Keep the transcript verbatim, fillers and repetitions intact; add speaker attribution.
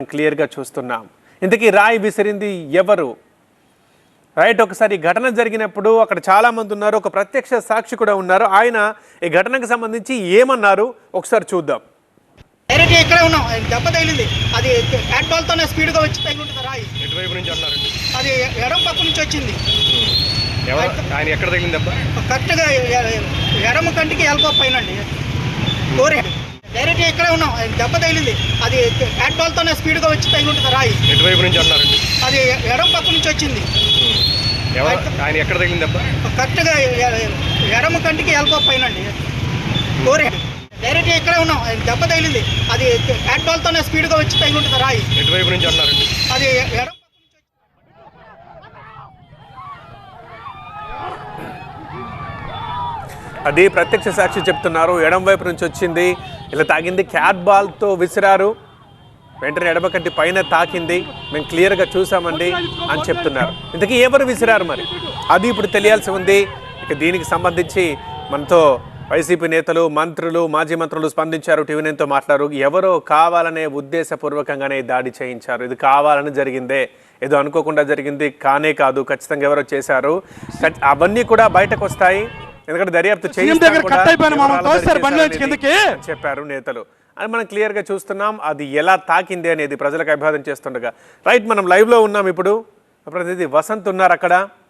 Speaker 1: క్లియర్గా చూస్తున్నాం. ఇంతకీ రాయి విసిరింది ఎవరు? రైట్, ఒకసారి ఘటన జరిగినప్పుడు అక్కడ చాలా మంది ఉన్నారు, ఒక ప్రత్యక్ష సాక్షి కూడా ఉన్నారు. ఆయన ఈ ఘటనకు సంబంధించి ఏమన్నారు ఒకసారి చూద్దాం.
Speaker 2: డైరెక్ట్ ఇక్కడే ఉన్నాం, దెబ్బ తగిలింది. అది బ్యాట్ బాల్తోనే స్పీడ్గా వచ్చి తగిలి ఉంటుంది రాయి.
Speaker 3: ఎటువైపు నుంచి అన్నారండి?
Speaker 2: అది ఎడం పక్క నుంచి వచ్చింది.
Speaker 3: ఆయన ఎక్కడ తగిలింది దెబ్బ?
Speaker 2: కరెక్ట్గా ఎడమ కంటికి ఎల్బో పైన అండి. డైరెక్ట్ ఇక్కడే ఉన్నాం, దెబ్బ తగిలింది. అది బ్యాట్ బాల్తోనే స్పీడ్గా వచ్చి తగిలి ఉంటుంది రాయి.
Speaker 3: ఎటువైపు నుంచి అన్నారండి?
Speaker 2: అది ఎడం పక్క నుంచి వచ్చింది.
Speaker 3: ఆయన ఎక్కడ తగిలింది దెబ్బ?
Speaker 2: కరెక్ట్గా ఎడమ కంటికి ఎల్బో పైన అండి. డైరెక్ట్ ఇక్కడే ఉన్నాం, దెబ్బ తగిలింది. అది బ్యాట్ బాల్తోనే స్పీడ్గా వచ్చి తగిలి ఉంటుంది రాయి.
Speaker 3: ఎటువైపు నుంచి అన్నారండి?
Speaker 2: అది ఎడం
Speaker 1: అది ప్రత్యక్ష సాక్షి చెప్తున్నారు. ఎడం వైపు నుంచి వచ్చింది, ఇలా తాగింది, క్యాట్ బాల్తో విసిరారు, వెంటనే ఎడమ కంటి పైన తాకింది, మేము క్లియర్గా చూసామండి అని చెప్తున్నారు. ఇంతకీ ఎవరు విసిరారు మరి అది ఇప్పుడు తెలియాల్సి ఉంది. ఇక దీనికి సంబంధించి మనతో వైసీపీ నేతలు, మంత్రులు, మాజీ మంత్రులు స్పందించారు, టీవీ నైన్తో మాట్లాడారు. ఎవరో కావాలనే ఉద్దేశపూర్వకంగానే దాడి చేయించారు, ఇది కావాలని జరిగిందే, ఏదో అనుకోకుండా జరిగింది కానే కాదు, ఖచ్చితంగా ఎవరో చేశారు, అవన్నీ కూడా బయటకు వస్తాయి, ఎందుకంటే దర్యాప్తు చెప్పారు నేతలు అని మనం క్లియర్ గా చూస్తున్నాం. అది ఎలా తాకింది అనేది ప్రజలకు అభివాదం చేస్తుండగా. రైట్, మనం లైవ్ లో ఉన్నాం. ఇప్పుడు ప్రతినిధి వసంత్ ఉన్నారు అక్కడ.